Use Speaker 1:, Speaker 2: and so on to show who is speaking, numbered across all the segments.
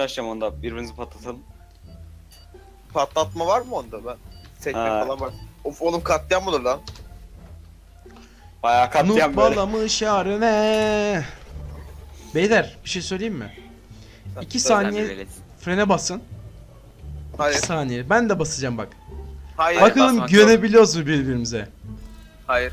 Speaker 1: açacağım onda. Birbirinizi patlatalım.
Speaker 2: Patlatma var mı onda ben? Sekmek
Speaker 1: Ha.
Speaker 2: falan var. Of oğlum katliam olur lan.
Speaker 1: Bayağı katliam
Speaker 3: Nuh
Speaker 1: böyle.
Speaker 3: balamış yarine. Beyler bir şey söyleyeyim mi? 2
Speaker 1: Sen bir
Speaker 3: saniye
Speaker 1: velet.
Speaker 3: frene basın. 2
Speaker 2: Hayır.
Speaker 3: saniye. Ben de basacağım bak.
Speaker 2: Hayır.
Speaker 3: Bakalım
Speaker 1: basmak yok.
Speaker 3: güvenebiliyoruz mu birbirimize?
Speaker 2: Hayır.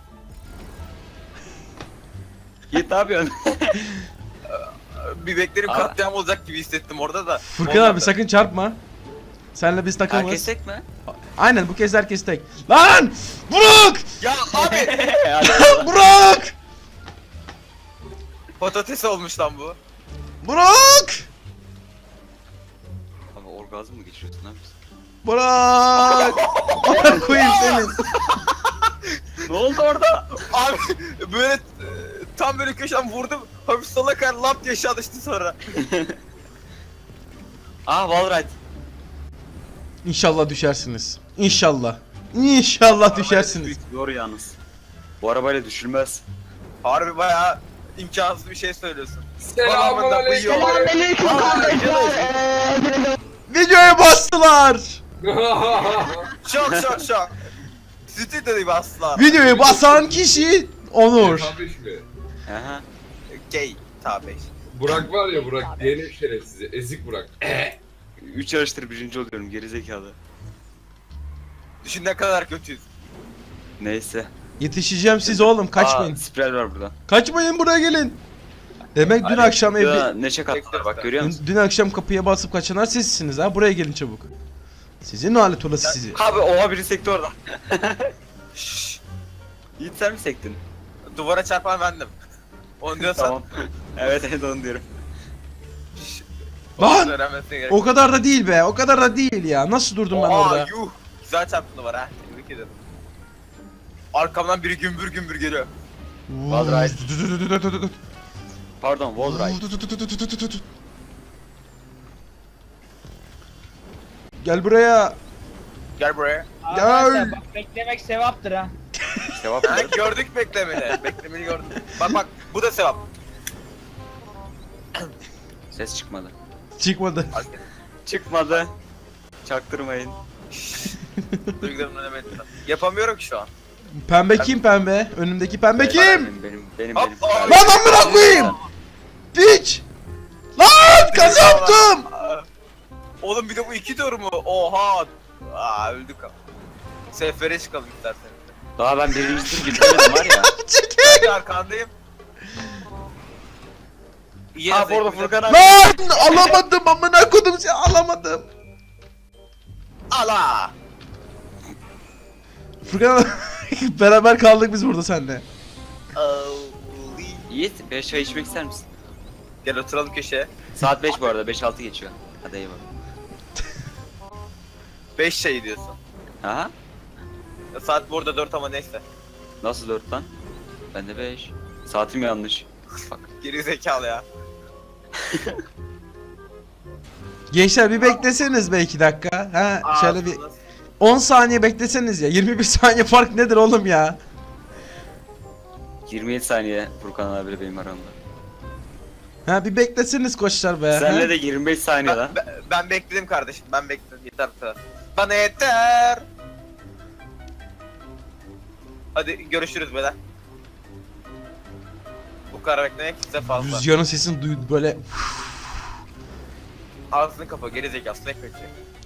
Speaker 1: Yiğit ne yapıyorsun?
Speaker 2: Bir beklerim
Speaker 1: Aa.
Speaker 2: katliam olacak gibi hissettim orada da.
Speaker 3: Furkan
Speaker 2: Olmadı.
Speaker 3: abi sakın çarpma. Senle biz takımız.
Speaker 1: Herkes tek mi?
Speaker 3: Aynen bu kez herkes tek. Lan! Burak!
Speaker 2: Ya abi
Speaker 1: Hadi bakalım.
Speaker 3: Burak!
Speaker 2: patates olmuş lan bu.
Speaker 3: Burak!
Speaker 1: Abi orgazm mı geçiriyorsun abi?
Speaker 3: Burak! Amına koyayım senin.
Speaker 1: Ne oldu orada?
Speaker 2: Abi böyle tam böyle köşeden vurdum. Hafif sola kar lap diye aşağı düştü sonra.
Speaker 1: Ah Wallride.
Speaker 3: İnşallah düşersiniz. İnşallah. İnşallah düşersiniz.
Speaker 1: Doğru yalnız. Bu arabayla düşülmez.
Speaker 2: Harbi bayağı imkansız bir şey söylüyorsun.
Speaker 4: Selamünaleyküm.
Speaker 5: Selamünaleyküm
Speaker 3: Videoya bastılar.
Speaker 2: Şok şok şok. Stüdyoyu bastılar.
Speaker 3: Videoyu basan kişi Onur.
Speaker 4: Tabii mi?
Speaker 1: Aha.
Speaker 2: Gay tabi.
Speaker 4: Burak var ya Burak diyelim şerefsizi. Ezik Burak.
Speaker 1: 3 yarıştır birinci oluyorum gerizekalı.
Speaker 2: Düşün ne kadar kötüyüz.
Speaker 1: Neyse.
Speaker 3: Yetişeceğim siz oğlum kaçmayın.
Speaker 1: Aa, spiral var burada.
Speaker 3: Kaçmayın buraya gelin. Demek dün
Speaker 2: Hadi,
Speaker 3: akşam evde...
Speaker 1: Ya, neşe kattılar bak görüyor musun?
Speaker 3: Dün akşam kapıya basıp kaçanlar sizsiniz ha. Buraya gelin çabuk. Sizin alet olası sizi.
Speaker 1: Abi oha biri sekti orada.
Speaker 2: Şşş.
Speaker 1: Yiğit sen mi sektin?
Speaker 2: Duvara çarpan bendim. Onu diyorsan.
Speaker 1: Tamam. Evet evet onu diyorum.
Speaker 2: Şşş.
Speaker 3: Lan!
Speaker 2: Öğrenmesine gerek.
Speaker 3: O kadar da değil be. O kadar da değil ya. Nasıl durdum ben
Speaker 2: Oha,
Speaker 3: orada?
Speaker 2: yuh. Güzel çarptı duvara ha. Tebrik ederim. Arkamdan biri gümbür gümbür geliyor.
Speaker 1: Wallride. Pardon Wallride.
Speaker 3: Gel buraya.
Speaker 2: Gel buraya.
Speaker 3: Gel.
Speaker 5: Bak beklemek sevaptır ha.
Speaker 1: Sevap
Speaker 2: Ha,
Speaker 1: mı?
Speaker 2: gördük beklemeni. Beklemeni gördüm. Bak bak bu da sevap.
Speaker 1: Ses çıkmadı.
Speaker 3: Çıkmadı.
Speaker 1: Çıkmadı. Çaktırmayın.
Speaker 2: Duygularımın önemli. Yapamıyorum ki şu an.
Speaker 3: Pembe kim pembe? Önümdeki pembe kim?
Speaker 1: Benim.
Speaker 2: Hop, hop.
Speaker 3: Lan amına koyayım! Piç! Lan kazandım!
Speaker 2: Aa, oğlum bir de bu 2 tur mu? Oha. Aa öldük. Sefere çıkalım istersen.
Speaker 1: Daha ben birinci tur girmedim var ya.
Speaker 3: Çekil!
Speaker 2: Ben de arkandayım. İyi
Speaker 1: Ha bu arada Furkan abi.
Speaker 3: Lan alamadım amına kodum seni alamadım.
Speaker 2: Ala.
Speaker 3: Furkan beraber kaldık biz burada seninle.
Speaker 1: Yiğit 5 çay içmek ister misin?
Speaker 2: Gel oturalım köşeye.
Speaker 1: Saat 5 bu arada 5-6 geçiyor. Hadi eyvallah.
Speaker 2: 5 şey diyorsun.
Speaker 1: Aha.
Speaker 2: Saat burada 4 ama neyse.
Speaker 1: Nasıl 4 lan? Ben de 5. Saatim yanlış. Bak.
Speaker 2: Geri zekalı ya.
Speaker 3: Gençler bir bekleseniz be 2 dakika. Ha şöyle bir
Speaker 2: Ağzınız.
Speaker 3: 10 saniye bekleseniz ya. 21 saniye fark nedir oğlum ya?
Speaker 1: 27 saniye Furkan abiyle benim aramda.
Speaker 3: Ha bir bekleseniz koçlar be.
Speaker 1: Senle
Speaker 3: ha?
Speaker 1: de 25 saniye lan.
Speaker 2: Ben bekledim kardeşim. Ben bekledim. Yeter bu kadar. Bana yeter. Hadi görüşürüz beyler. Bu kadar beklemek size fazla.
Speaker 3: Rüzgarın sesini duydu böyle.
Speaker 2: Ağzını kapa geri zekalı sinek bekliyor.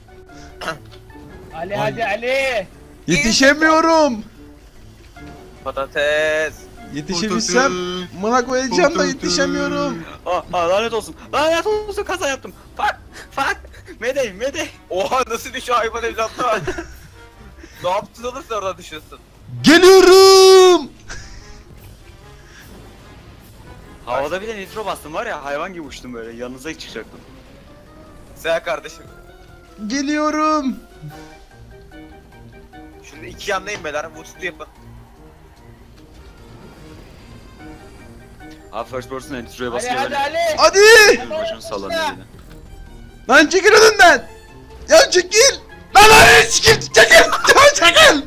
Speaker 5: Ali hadi Ali.
Speaker 3: Yetişemiyorum.
Speaker 2: Patates.
Speaker 3: Yetişebilsem mına koyacağım da yetişemiyorum.
Speaker 1: Lanet olsun. Lanet olsun kaza yaptım. Fuck. Medey.
Speaker 2: Oha nasıl düşüyor hayvan evlatlar. Ne yaptın olursa orada düşüyorsun.
Speaker 3: Geliyorum.
Speaker 1: Havada bir de nitro bastım var ya hayvan gibi uçtum böyle yanınıza çıkacaktım.
Speaker 2: Seha kardeşim.
Speaker 3: Geliyorum.
Speaker 2: Şimdi iki yandayım beyler. Vutsuzlu yapın.
Speaker 1: Abi first person nitroya
Speaker 5: Ali
Speaker 1: basınca
Speaker 5: hadi
Speaker 1: böyle
Speaker 5: Ali.
Speaker 3: Hadi.
Speaker 1: başını sallanıyor yine.
Speaker 3: Lan çekil önünden. Ya çekil. Lan çekil. Çekil. Çekil.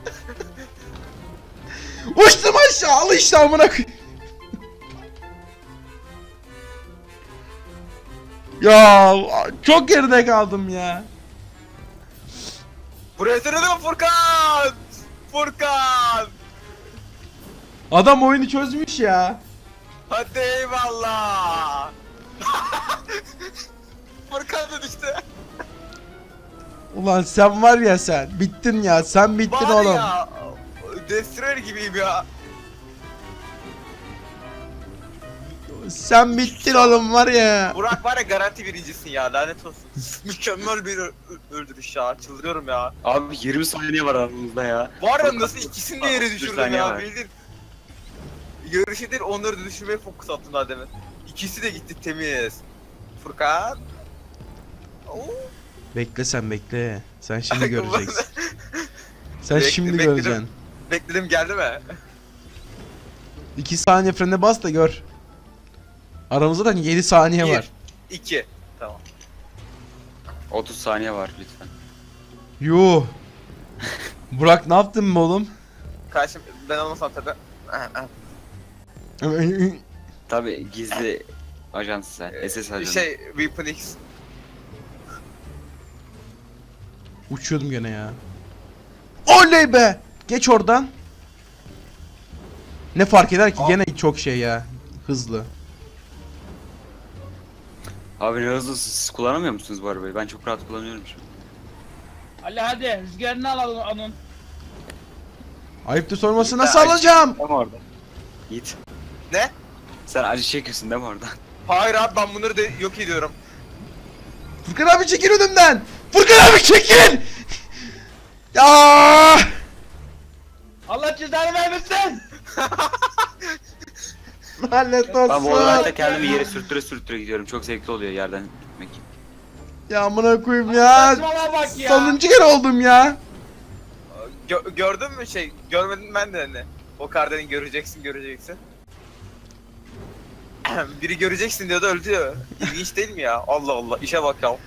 Speaker 3: Uçtum aşağı. Al işte amına koy. Ya çok geride kaldım ya.
Speaker 2: Buraya sırada Furkan! Furkan!
Speaker 3: Adam oyunu çözmüş ya.
Speaker 2: Hadi eyvallah! Furkan da düştü.
Speaker 3: Ulan sen var ya sen. Bittin ya. Sen bittin
Speaker 2: Var
Speaker 3: oğlum.
Speaker 2: ya, Destroyer gibiyim ya.
Speaker 3: Sen bittin oğlum var ya.
Speaker 2: Burak var ya garanti birincisin ya, lanet olsun. Mükemmel bir öldürüş ya, çıldırıyorum ya.
Speaker 1: Abi 20 saniye var aramızda ya.
Speaker 2: Var ya nasıl ikisini de yere
Speaker 1: 31
Speaker 2: düşürdüm
Speaker 1: saniye
Speaker 2: ya,
Speaker 1: var.
Speaker 2: bildin. Yarışı değil, onları da düşürmeye fokus attım daha demin. İkisi de gitti temiz. Furkan. Oo.
Speaker 3: Bekle sen bekle. Sen şimdi göreceksin. Sen
Speaker 2: Bekle-
Speaker 3: şimdi
Speaker 2: bekledim.
Speaker 3: göreceksin.
Speaker 2: Bekledim, geldi mi?
Speaker 3: 2 saniye frene bas da gör. Aramızda da 7 saniye var.
Speaker 2: 2. Tamam.
Speaker 1: 30 saniye var lütfen.
Speaker 3: Yuh. Burak ne yaptın mı oğlum?
Speaker 2: Karşım ben olmasam tabi.
Speaker 1: Tabi gizli ajans sen. SS ajansı.
Speaker 2: Şey, Weapon X.
Speaker 3: Uçuyordum gene ya. Oley be! Geç oradan. Ne fark eder ki? Gene çok şey ya. Hızlı.
Speaker 1: Abi ne hızlı siz kullanamıyor musunuz bu arabayı? Ben çok rahat kullanıyorum şu an.
Speaker 5: Ali hadi rüzgarını alalım onun.
Speaker 3: Ayıptır sorması nasıl alacağım?
Speaker 1: Değil mi orada? Git.
Speaker 2: Ne?
Speaker 1: Sen acı çekiyorsun değil mi orada?
Speaker 2: Hayır abi, ben bunları da yok ediyorum.
Speaker 3: Furkan abi çekil önümden. Furkan abi çekil. Ya!
Speaker 5: Allah cezanı vermesin.
Speaker 3: Lanet
Speaker 1: Ben bu
Speaker 3: olsun.
Speaker 1: olayda kendimi yere sürttüre sürttüre gidiyorum. Çok zevkli oluyor yerden gitmek.
Speaker 3: Ya amına koyayım ya.
Speaker 5: Saçmalama bak ya.
Speaker 3: Sonuncu kere oldum ya.
Speaker 2: Gördün mü şey? Görmedim ben de hani. O kardeni göreceksin, göreceksin. Biri göreceksin diyordu, öldü ya. İlginç değil mi ya? Allah Allah, işe bak ya.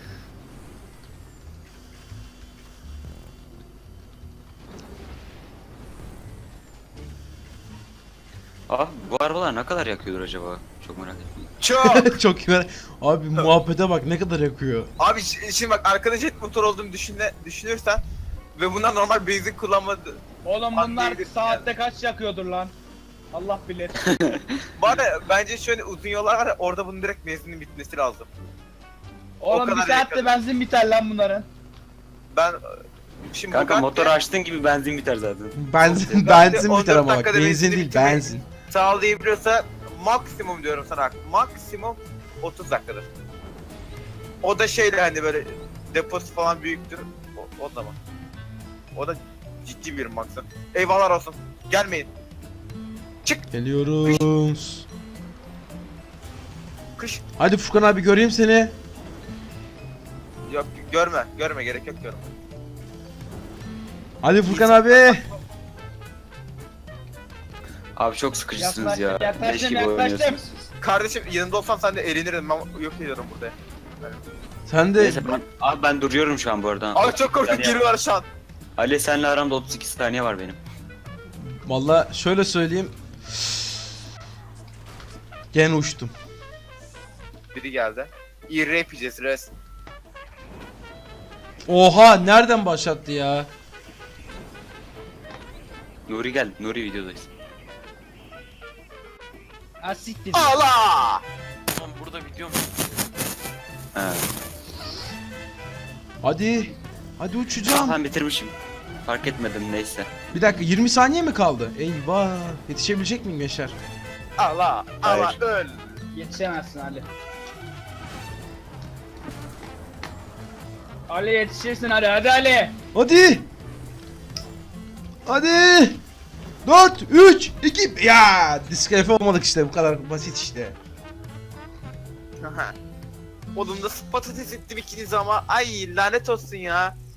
Speaker 1: Ah bu arabalar ne kadar yakıyordur acaba? Çok merak ettim.
Speaker 2: Çok!
Speaker 3: Çok güzel. Abi muhabbete bak ne kadar yakıyor.
Speaker 2: Abi şimdi bak, arkada jet motor olduğunu düşünürsen ve bunlar normal benzin kullanmadı.
Speaker 5: Oğlum
Speaker 2: Bak
Speaker 5: bunlar
Speaker 2: değildir
Speaker 5: saatte kaç yakıyordur lan? Allah bilir.
Speaker 2: Bana bence şöyle uzun yollar var ya, orada bunun direkt benzinin bitmesi lazım.
Speaker 5: Oğlum bir
Speaker 2: kadar
Speaker 5: saatte
Speaker 2: yakıyordur.
Speaker 5: benzin biter lan bunların.
Speaker 2: Ben şimdi
Speaker 1: Kanka
Speaker 2: Bugatti
Speaker 1: motoru açtığın gibi benzin biter zaten.
Speaker 3: Benzin
Speaker 2: Ben de
Speaker 3: benzin
Speaker 2: 14
Speaker 3: biter ama bak.
Speaker 2: dakikada
Speaker 3: Benzin
Speaker 2: benzini
Speaker 3: değil
Speaker 2: bitirmeyi-
Speaker 3: benzin.
Speaker 2: sağlayabiliyorsa maksimum diyorum sana, maksimum 30 dakikadır. O da şeyle hani böyle deposu falan büyüktür. O zaman. O da ciddi bir maksimum. Eyvallah olsun. Gelmeyin.
Speaker 3: Geliyoruz.
Speaker 2: Kış.
Speaker 3: Hadi Furkan abi göreyim seni.
Speaker 2: Yok, görme, gerek yok, görme.
Speaker 3: Hadi Furkan abi.
Speaker 1: Abi çok sıkıcısınız ya.
Speaker 5: Yaklaştım,
Speaker 1: Leş gibi
Speaker 5: yaklaştım.
Speaker 1: oynuyorsunuz.
Speaker 2: Kardeşim yanında olsam sen de eğlenirdin, ben yok ediyorum burada.
Speaker 3: Sen de
Speaker 1: Neyse ben duruyorum şu an bu arada.
Speaker 2: Abi çok korktum,
Speaker 1: Yani-
Speaker 2: giriyorlar şu an.
Speaker 1: Ali senle aramda 32 saniye var benim.
Speaker 3: valla şöyle söyleyeyim. Gene uçtum.
Speaker 2: Biri geldi. İyi rap yiyeceğiz res.
Speaker 3: Oha nereden başlattı ya?
Speaker 1: Nuri gel. Nuri videodayız.
Speaker 5: Ha siktir.
Speaker 2: Allah!
Speaker 1: Tamam burada video mu? He.
Speaker 3: Hadi. Hadi uçacağım.
Speaker 1: Ben bitirmişim. Fark etmedim neyse.
Speaker 3: Bir dakika 20 saniye mi kaldı? Eyvah. Yetişebilecek miyim gençler?
Speaker 2: Allah! Allah
Speaker 1: Hayır.
Speaker 2: öl!
Speaker 5: Yetişemezsin Ali. Ali yetişirsin hadi Ali.
Speaker 3: Hadi. Hadi. 4, 3, 2. Ya diskalifiye olmadık işte, bu kadar basit işte.
Speaker 2: Oğlum nasıl patates ettim ikinizi ama, ay lanet olsun ya.